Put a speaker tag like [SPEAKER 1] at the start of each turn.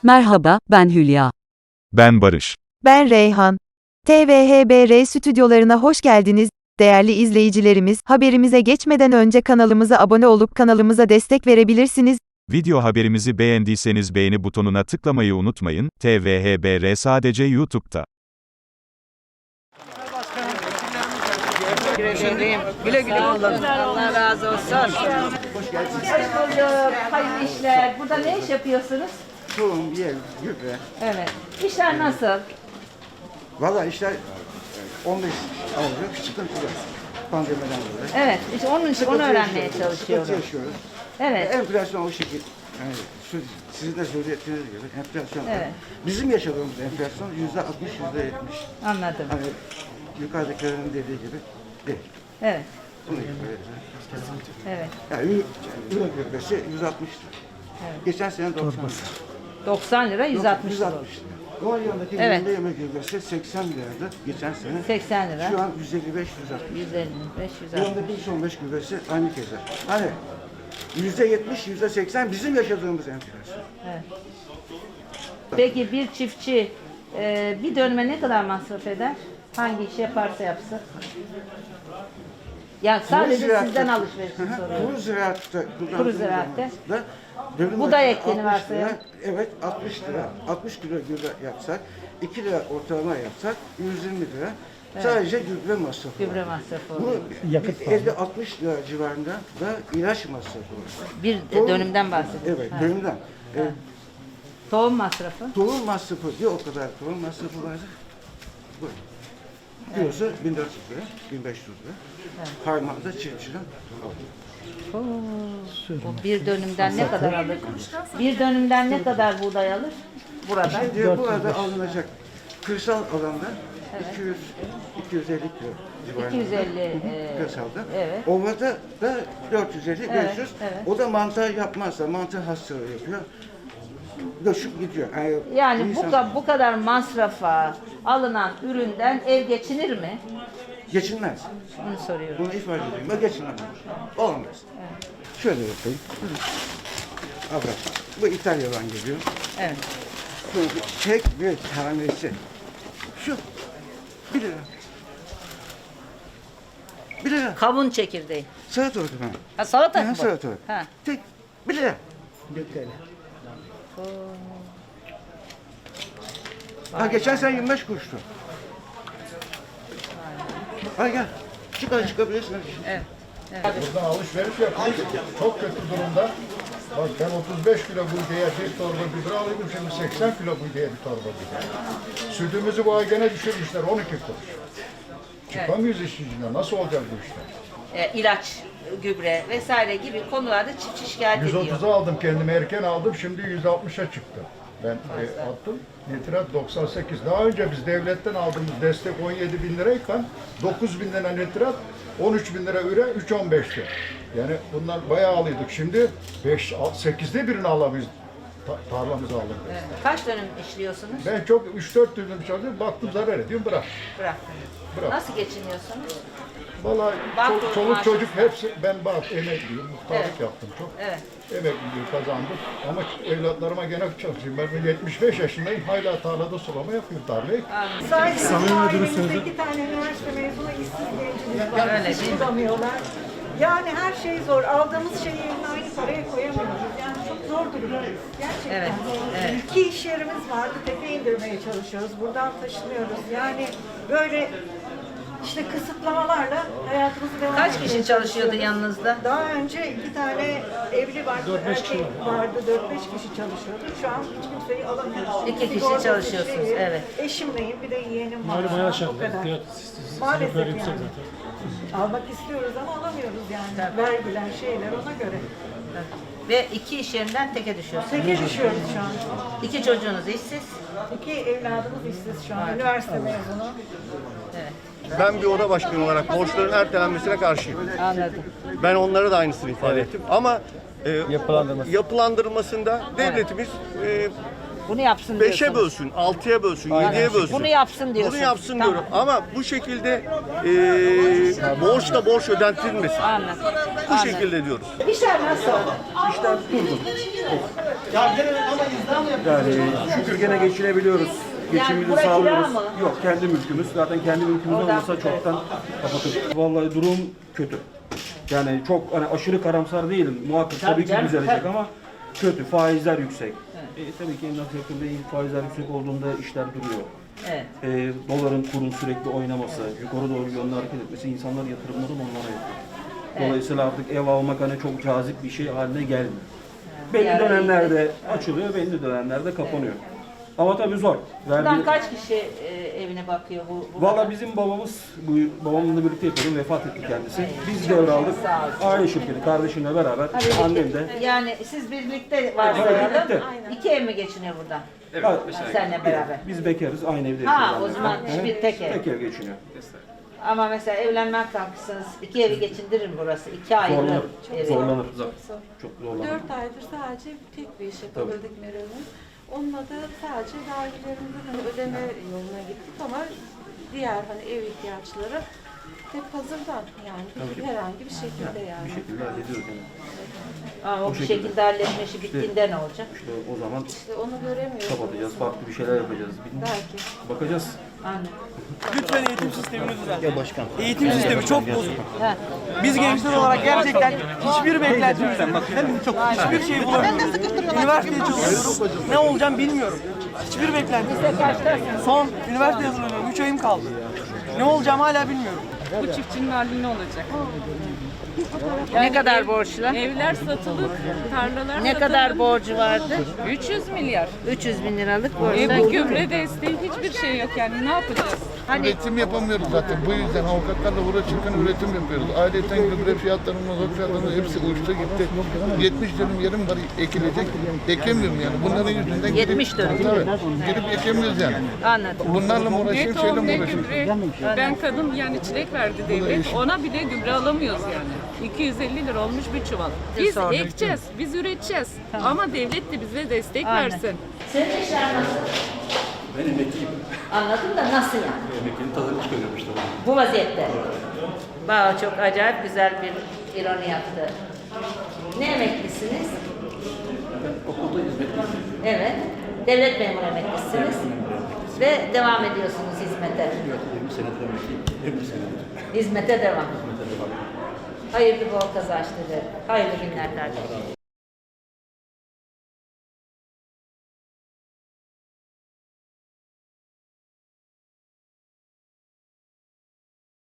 [SPEAKER 1] Merhaba, ben Hülya.
[SPEAKER 2] Ben Barış.
[SPEAKER 3] Ben Reyhan. TVHBR stüdyolarına hoş geldiniz. Değerli izleyicilerimiz, haberimize geçmeden önce kanalımıza abone olup kanalımıza destek verebilirsiniz.
[SPEAKER 2] Video haberimizi beğendiyseniz beğeni butonuna tıklamayı unutmayın. TVHBR sadece YouTube'da.
[SPEAKER 4] Güle güle kullanın. Allah razı olsun.
[SPEAKER 5] Hoş geldiniz.
[SPEAKER 4] Hoş bulduk. Hayırlı işler. Burada ne iş yapıyorsunuz?
[SPEAKER 5] Tohum, yem, gübre.
[SPEAKER 4] Evet. İşler nasıl?
[SPEAKER 5] Valla işler 15 alıyor, sıkıntı yok. Pandemiden dolayı.
[SPEAKER 4] Evet. İşte onun için onu öğrenmeye çalışıyorum.
[SPEAKER 5] Sıkıntı yaşıyoruz.
[SPEAKER 4] Evet.
[SPEAKER 5] Enflasyon o şekilde. Yani sizin de söylediğiniz gibi enflasyon.
[SPEAKER 4] Evet.
[SPEAKER 5] Bizim yaşadığımız enflasyon %60, %70.
[SPEAKER 4] Anladım.
[SPEAKER 5] Hani yukarıdakilerin dediği gibi değil.
[SPEAKER 4] Evet.
[SPEAKER 5] Bunu ifade
[SPEAKER 4] Evet.
[SPEAKER 5] Yani ürün gübresi 160 lira. Geçen sene 90 lira.
[SPEAKER 4] 90 lira 160 lira.
[SPEAKER 5] 160 lira. Onun yanındaki
[SPEAKER 4] Evet.
[SPEAKER 5] yerinde yemek gübresi 80 liraydı geçen sene.
[SPEAKER 4] 80 lira.
[SPEAKER 5] Şu an 155, 160.
[SPEAKER 4] 155, 160.
[SPEAKER 5] Yanındaki 115 gübresi aynı keza. Hani %70, %80 bizim yaşadığımız enflasyon.
[SPEAKER 4] Peki bir çiftçi bir dönüme ne kadar masraf eder? Hangi iş yaparsa yapsın? Ya sadece
[SPEAKER 5] Kuru
[SPEAKER 4] sizden
[SPEAKER 5] ziraatta-
[SPEAKER 4] alışverişini
[SPEAKER 5] Hı hı,
[SPEAKER 4] soruyorum.
[SPEAKER 5] Kuru ziraatta
[SPEAKER 4] Kuru ziraatte.
[SPEAKER 5] dönüm
[SPEAKER 4] Buğday
[SPEAKER 5] başı
[SPEAKER 4] ektiğini
[SPEAKER 5] 60 lira,
[SPEAKER 4] varsayalım.
[SPEAKER 5] evet 60 lira. 60 kilo gübre yapsak, 2 lira ortalama yapsak 120 lira. Sadece gübre masrafı.
[SPEAKER 4] Gübre
[SPEAKER 5] var.
[SPEAKER 4] masrafı
[SPEAKER 5] Bu
[SPEAKER 4] oluyor.
[SPEAKER 5] 50-60 lira civarında da ilaç masrafı var.
[SPEAKER 4] Bir
[SPEAKER 5] Tohum-
[SPEAKER 4] dönümden bahsediyoruz.
[SPEAKER 5] Evet,
[SPEAKER 4] Ha.
[SPEAKER 5] dönümden.
[SPEAKER 4] Tohum masrafı.
[SPEAKER 5] Tohum masrafı diyor o kadar tohum masrafı vardı. Buyurun. Kilosu 1400 lira, 1500 lira. Harmanda çiftçiden
[SPEAKER 4] O bir dönümden ne kadar alır? Bir dönümden ne kadar buğday alır? Burada.
[SPEAKER 5] Şimdi bu arada alınacak kırsal alanda 200-250 kilo civarında.
[SPEAKER 4] 250,
[SPEAKER 5] kırsalda.
[SPEAKER 4] evet.
[SPEAKER 5] Ovada da 450-500.
[SPEAKER 4] evet.
[SPEAKER 5] O da mantar yapmazsa mantar hastalığı yapıyor. Göçüp gidiyor.
[SPEAKER 4] Yani
[SPEAKER 5] insan
[SPEAKER 4] bu kadar masrafa alınan üründen ev geçinir mi?
[SPEAKER 5] geçinmez.
[SPEAKER 4] Bunu soruyorum.
[SPEAKER 5] Bunu ifade edeyim. Ben geçinemem. Olmaz. Şöyle yapayım. Abla, bu İtalya'dan geliyor.
[SPEAKER 4] Evet.
[SPEAKER 5] Tek bir tanesi. Şu. 1 lira. 1 lira.
[SPEAKER 4] Kavun çekirdeği.
[SPEAKER 5] Salatalık efendim.
[SPEAKER 4] Ha, salata mı bu?
[SPEAKER 5] Salatalık.
[SPEAKER 4] Ha.
[SPEAKER 5] Tek 1 lira. 1 TL. Ha geçen sene 25 kuruştu. Hadi gel. Çıkabilirsin.
[SPEAKER 4] Evet.
[SPEAKER 6] Buradan alışveriş yapıyoruz. Çok kötü durumda. Bak ben 35 kilo buğdaya bir torba gübre alıyordum. Şimdi 80 kilo buğdaya bir torba gübre. Sütümüzü bu ay gene düşürmüşler 12 kuruş. Çıkamıyoruz işin içinden. Nasıl olacak bu işler?
[SPEAKER 4] İlaç, gübre vesaire gibi konularda çiftçi şikayet ediyor.
[SPEAKER 6] 130'a aldım kendime erken aldım. Şimdi 160'a çıktı. Ben attım. Nitrat 98. Daha önce biz devletten aldığımız destek 17 bin lirayken 9 bin lira nitrat, 13 bin lira üre, 3-15'ti. Yani bunlar bayağı alıyorduk. Şimdi 8'de birini alamıyoruz. Tarlamızı aldık.
[SPEAKER 4] Evet. Kaç dönüm işliyorsunuz?
[SPEAKER 6] Ben çok 3-4 dönüm çalışıyorum. Baktım zarar ediyorum. Bırak.
[SPEAKER 4] Bıraktınız.
[SPEAKER 6] Bırak.
[SPEAKER 4] Nasıl geçiniyorsunuz?
[SPEAKER 6] Vallahi
[SPEAKER 4] Bak,
[SPEAKER 6] çoluk
[SPEAKER 4] maaş.
[SPEAKER 6] çocuk hepsi ben emekliyim. Muhtarlık
[SPEAKER 4] Evet.
[SPEAKER 6] yaptım çok.
[SPEAKER 4] Evet.
[SPEAKER 6] Emekliliği kazandım. Ama evlatlarıma gene çalışıyorum. Ben 75 yaşındayım. Hala tarlada sulama yapıyorum tarlayı.
[SPEAKER 7] Ailemizde 2 tane üniversite mezunu işsiz gencimiz var.
[SPEAKER 4] Öyle
[SPEAKER 7] Hiç
[SPEAKER 4] değil mi?
[SPEAKER 7] bulamıyorlar. Yani her şey zor. Aldığımız şeyi yerine aynı paraya koyamıyoruz. Yani çok zor durumdayız. Gerçekten.
[SPEAKER 4] Evet, evet.
[SPEAKER 7] 2 iş yerimiz vardı. Tepe indirmeye çalışıyoruz. Buradan taşınıyoruz. Yani böyle işte kısıtlamalarla hayatımızı devam
[SPEAKER 4] Kaç
[SPEAKER 7] etmeye
[SPEAKER 4] kişi çalışıyordu
[SPEAKER 7] çalışıyoruz.
[SPEAKER 4] yanınızda?
[SPEAKER 7] Daha önce 2 tane evli vardı, erkek vardı, 4-5 kişi çalışıyordu. Şu an hiç kimseyi alamıyoruz.
[SPEAKER 4] 2 kişi
[SPEAKER 7] Sigortası
[SPEAKER 4] çalışıyorsunuz,
[SPEAKER 7] şeyi,
[SPEAKER 4] evet.
[SPEAKER 7] Eşimleyim, bir de yeğenim var.
[SPEAKER 8] Malum hayat
[SPEAKER 7] O
[SPEAKER 8] şartları,
[SPEAKER 7] kadar.
[SPEAKER 8] fiyat
[SPEAKER 7] Maalesef
[SPEAKER 8] sebepleri yüksek
[SPEAKER 7] yani.
[SPEAKER 8] zaten.
[SPEAKER 7] Almak istiyoruz ama alamıyoruz yani. Vergiler, şeyler ona göre.
[SPEAKER 4] Ve 2 iş yerinden teke düşüyorsunuz.
[SPEAKER 7] Teke düşüyoruz şu an.
[SPEAKER 4] 2 çocuğunuz işsiz.
[SPEAKER 7] 2 evladımız işsiz şu an. Üniversite mezunu.
[SPEAKER 9] Ben bir oda başkanı olarak borçların ertelenmesine karşıyım.
[SPEAKER 4] Anladım.
[SPEAKER 9] Ben onlara da aynısını ifade ettim. Ama yapılandırılmasında devletimiz
[SPEAKER 4] Bunu yapsın
[SPEAKER 9] 5'e
[SPEAKER 4] diyorsunuz.
[SPEAKER 9] bölsün, 6'ya bölsün, 7'ye bölsün.
[SPEAKER 4] Bunu yapsın diyorsun.
[SPEAKER 9] Bunu yapsın
[SPEAKER 4] Tamam.
[SPEAKER 9] diyorum. Ama bu şekilde borç da borç ödentilmesin.
[SPEAKER 4] Anladım.
[SPEAKER 9] Bu şekilde diyoruz.
[SPEAKER 4] İşler nasıl?
[SPEAKER 9] İşler durgun.
[SPEAKER 5] Yani şükür gene geçinebiliyoruz. Geçimimizi
[SPEAKER 4] bura kira
[SPEAKER 5] sağlıyoruz.
[SPEAKER 4] mı?
[SPEAKER 5] Yok, kendi mülkümüz. Zaten kendi mülkümüz
[SPEAKER 4] Oradan
[SPEAKER 5] olmasa
[SPEAKER 4] tutuyor.
[SPEAKER 5] çoktan kapatırdık. Vallahi durum kötü. Yani çok hani aşırı karamsar değilim. Muhakkak tabii ki
[SPEAKER 4] canım,
[SPEAKER 5] düzelecek
[SPEAKER 4] tabii.
[SPEAKER 5] ama kötü. Faizler yüksek. Tabii ki emlak sektöründe faizler yüksek olduğunda işler duruyor.
[SPEAKER 4] Evet.
[SPEAKER 5] Doların kurun sürekli oynaması, yukarı doğru yönlü hareket etmesi, insanlar yatırımları onlara yapıyor. Dolayısıyla artık ev almak hani çok cazip bir şey haline gelmiyor. Belli
[SPEAKER 4] Yani-
[SPEAKER 5] dönemlerde açılıyor, belli dönemlerde kapanıyor. Ama tabii zor.
[SPEAKER 4] Buradan kaç kişi evine bakıyor bu?
[SPEAKER 5] Valla bizim babamla birlikte yapıyorum, vefat etti kendisi. Biz devraldık.
[SPEAKER 4] Sağ olsun.
[SPEAKER 5] Aile şirketi, kardeşimle beraber, annem de.
[SPEAKER 4] Yani siz birlikte varsayalım.
[SPEAKER 5] birlikte.
[SPEAKER 4] İki ev mi geçiniyor buradan?
[SPEAKER 5] Evet.
[SPEAKER 4] Seninle beraber.
[SPEAKER 5] Biz bekarız, aynı evde
[SPEAKER 4] Ha,
[SPEAKER 5] yaşıyoruz.
[SPEAKER 4] o zaman
[SPEAKER 5] annemle.
[SPEAKER 4] bir tek ev.
[SPEAKER 5] Tek ev geçiniyor.
[SPEAKER 4] Ama mesela evlenmek kalkırsanız iki evi geçindirir mi burası? İki ayrı
[SPEAKER 5] Zorlanır.
[SPEAKER 4] evi.
[SPEAKER 5] Zorlanır. Çok zorlanır.
[SPEAKER 1] 4 aydır sadece tek bir iş yapabildik Meral'ın. Onunla da sadece vergilerimizin hani ödeme yoluna gittik ama diğer hani ev ihtiyaçları hep hazırdan yani herhangi bir şekilde yani.
[SPEAKER 5] Bir şekilde hallediyoruz yani.
[SPEAKER 4] Ama o
[SPEAKER 5] Bu
[SPEAKER 4] bir
[SPEAKER 5] şekilde.
[SPEAKER 4] şekilde halletme işi bittiğinde ne olacak?
[SPEAKER 5] İşte o zaman
[SPEAKER 1] İşte onu göremiyoruz.
[SPEAKER 5] kapatacağız, farklı bir şeyler yapacağız.
[SPEAKER 1] Belki.
[SPEAKER 5] Bakacağız.
[SPEAKER 4] Anne.
[SPEAKER 8] Lütfen eğitim sistemini düzelt. Ya başkan. Eğitim sistemi çok bozuk. Biz gençler olarak gerçekten hiçbir beklentimizden bak çok hiçbir şey bulamıyoruz. Üniversiteye çalışıyorum. Ne olacağım bilmiyorum. Hiçbir beklentim. Son üniversite hazırlanıyorum. 3 ayım kaldı. Ne olacağım hala bilmiyorum.
[SPEAKER 10] Bu çiftçinin hali ne olacak?
[SPEAKER 4] Ne kadar borçlu?
[SPEAKER 10] Evler satılık, tarlalar
[SPEAKER 4] Ne
[SPEAKER 10] satılık.
[SPEAKER 4] kadar borcu vardı?
[SPEAKER 10] 300 milyar.
[SPEAKER 4] 300 bin liralık borcu.
[SPEAKER 10] Bir gübre desteği hiçbir şey yok yani ne yapacağız?
[SPEAKER 4] Hani
[SPEAKER 11] Üretim yapamıyoruz zaten. Bu yüzden avukatlarla uğraşırken üretim yapıyoruz. Ayrıca gübre fiyatları, mazot fiyatları hepsi uçtu gitti. 70 dönüm yerim var ekilecek. Ekemiyorum yani. Bunların yüzünden
[SPEAKER 4] 70 dönüm.
[SPEAKER 11] Evet. Girip ekemiyoruz yani.
[SPEAKER 4] anladım.
[SPEAKER 11] Bunlarla mı
[SPEAKER 10] Ne
[SPEAKER 11] uğraşayım, şeyle
[SPEAKER 10] tohum
[SPEAKER 11] mi
[SPEAKER 10] ne
[SPEAKER 11] uğraşayım?
[SPEAKER 10] gübre. Ben kadın yani çilek verdi devlet. Ona bile gübre alamıyoruz yani. 250 lira olmuş bir çuval. Biz ekeceğiz, biz üreteceğiz. Ama devlet de bize destek
[SPEAKER 4] Aynen.
[SPEAKER 10] versin.
[SPEAKER 4] Senin işler nasıl?
[SPEAKER 5] Ben emekliyim.
[SPEAKER 4] Anladım da nasıl yani?
[SPEAKER 5] Emeklinin tadını çıkarıyorum işte.
[SPEAKER 4] Bu vaziyette. Çok acayip güzel bir ironi yaptı. Ne emeklisiniz?
[SPEAKER 5] Okulda hizmetliyim.
[SPEAKER 4] Evet. Devlet memuru emeklisiniz. Ve devam ediyorsunuz hizmete.
[SPEAKER 5] 20 senedir emekliyim. 20 senedir.
[SPEAKER 4] Hizmete devam. Hayırlı bol kazançları. Hayırlı günler kardeşim.